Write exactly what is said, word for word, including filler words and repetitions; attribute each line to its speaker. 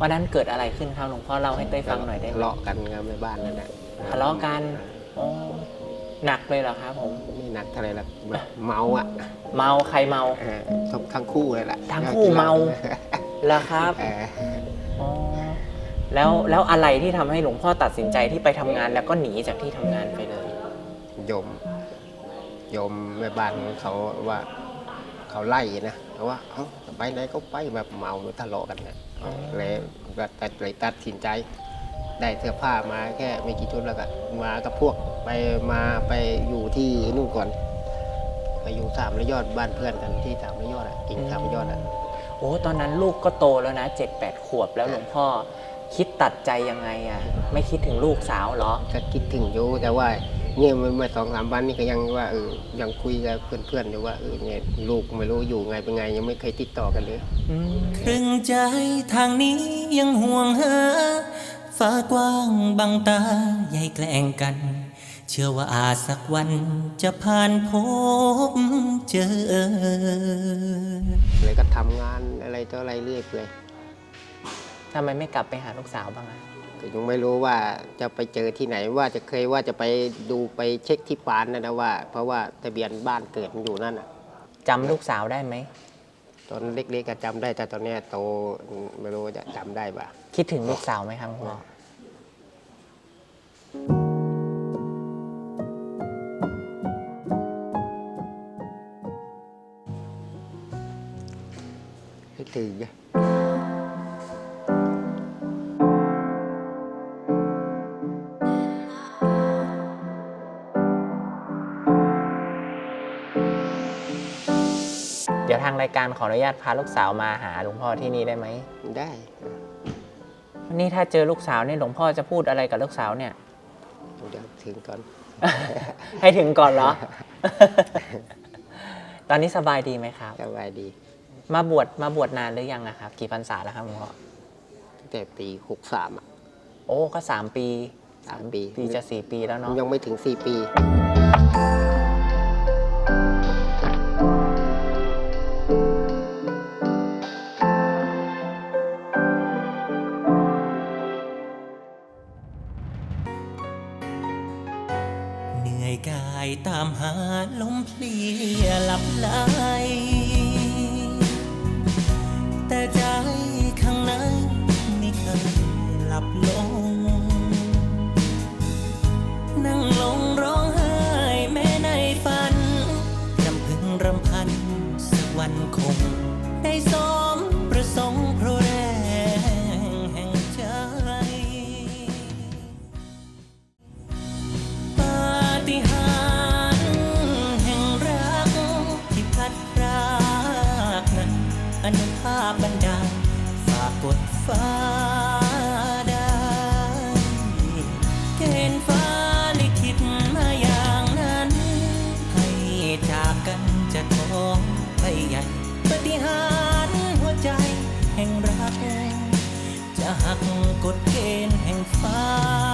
Speaker 1: วันนั้นเกิดอะไรขึ้นครับหลวงพ่อเล่าให้เต้ยฟังหน่อยได้ไหม
Speaker 2: ทะเลาะกันครับในบ้านนั่นแหละ
Speaker 1: ทะเลาะกันอ๋อหนักเลยเหรอครับผม
Speaker 2: ไม่หนักเท่าไรหรอกแบบเมาอ่ะ
Speaker 1: เมาใครเมา
Speaker 2: ทั้งทั้งคู่เลยแหละ
Speaker 1: ทั้งคู่เมาแล้วครับอ๋อแล้วแล้วอะไรที่ทำให้หลวงพ่อตัดสินใจที่ไปทำงานแล้วก็หนีจากที่ทำงานไปเลย
Speaker 2: โยมโยมแม่บ้านเขาว่าเขาไล่นะเขาว่าเอ้าไปไหนก็ไปแบบเมาทะเลาะกันนะเลยก็ตัดเลยตัดสินใจได้เสื้อผ้ามาแค่ไม่กี่ชุดแล้วก็มากับพวกไปมาไปอยู่ที่นู่นก่อนไปอยู่สามระยอดบ้านเพื่อนกันที่สามระยอดอ่ะกิ่งสามระยอดอ่ะ
Speaker 1: โอ้ตอนนั้นลูกก็โตแล้วนะเจ็ดแปดขวบแล้วหลวงพ่อคิดตัดใจยังไงอ่ะไม่คิดถึงลูกสาวเหรอ
Speaker 2: ก็คิดถึงอยู่แต่ว่าเนี่ยเมื่อสองสามวันนี้ก็ยังว่าเออยังคุยกับเพื่อนๆอยู่ว่าเออเนี่ยลูกไม่รู้อยู่ไงเป็นไงยังไม่เคยติดต่อกันเลย
Speaker 3: ครึ่งใจทางนี้ยังห่วงหาฟ้ากว้างบังตาใหญ่แกล้งกันเชื่อว่าอาจสักวันจะผ่านพบเจอ
Speaker 2: เลยก็ทำงานอะไรต่ออะไรเรื่อยเปื่อย
Speaker 1: ทำไมไม่กลับไปหาลูกสาวบ้างอ่ะ
Speaker 2: ก็ยังไม่รู้ว่าจะไปเจอที่ไหนว่าจะเคยว่าจะไปดูไปเช็คที่ปานนะนะว่าเพราะว่าทะเบียนบ้านเกิดมันอยู่นั่นอ่ะ
Speaker 1: จำลูกสาวได้ไหม
Speaker 2: ตอนเล็กๆก็จำได้แต่ตอนนี้โตไม่รู้จะจำได้ป่ะ
Speaker 1: คิดถึงลูกสาวไหมครับพ่อ
Speaker 2: คิดถึง
Speaker 1: เดี๋ยวทางรายการขออนุญาตพาลูกสาวมาหาหลวงพ่อที่นี่ได้ไหม
Speaker 2: ได้
Speaker 1: นี่ถ้าเจอลูกสาวนี่หลวงพ่อจะพูดอะไรกับลูกสาวเนี่ย
Speaker 2: เดี๋ยวถึงก่อน
Speaker 1: ให้ถึงก่อนเหรอ ตอนนี้สบายดีไหมครับ
Speaker 2: สบายดี
Speaker 1: มาบวชมาบวชนานหรือยังอะครับกี่พรรษาแล้วครับหลวงพ่อ
Speaker 2: แต่ปีหกสามอ่ะ
Speaker 1: โอ้ก็สามปี
Speaker 2: สามปี
Speaker 1: ปีจะสี่ปีแล้วเนาะ
Speaker 2: ยังไม่ถึงสี่ปี
Speaker 3: กายตามหาลมเพลียหลับไหลแต่ใจข้างในไม่เคยหลับลงนั่งลงร้องไห้แม้ในฝันรำพึงรำพันสักวันคงได้สมประสงค์เพราะแรงแห่งใจอนุภาพบันดาลฝากกดฟ้าได้เกณฑ์ฟ้าลิขิตมาอย่างนั้นให้จากกันจะท้องไปใหญ่ปฏิหารย์หัวใจแห่งรักจะหักกฎเกณฑ์แห่งฟ้า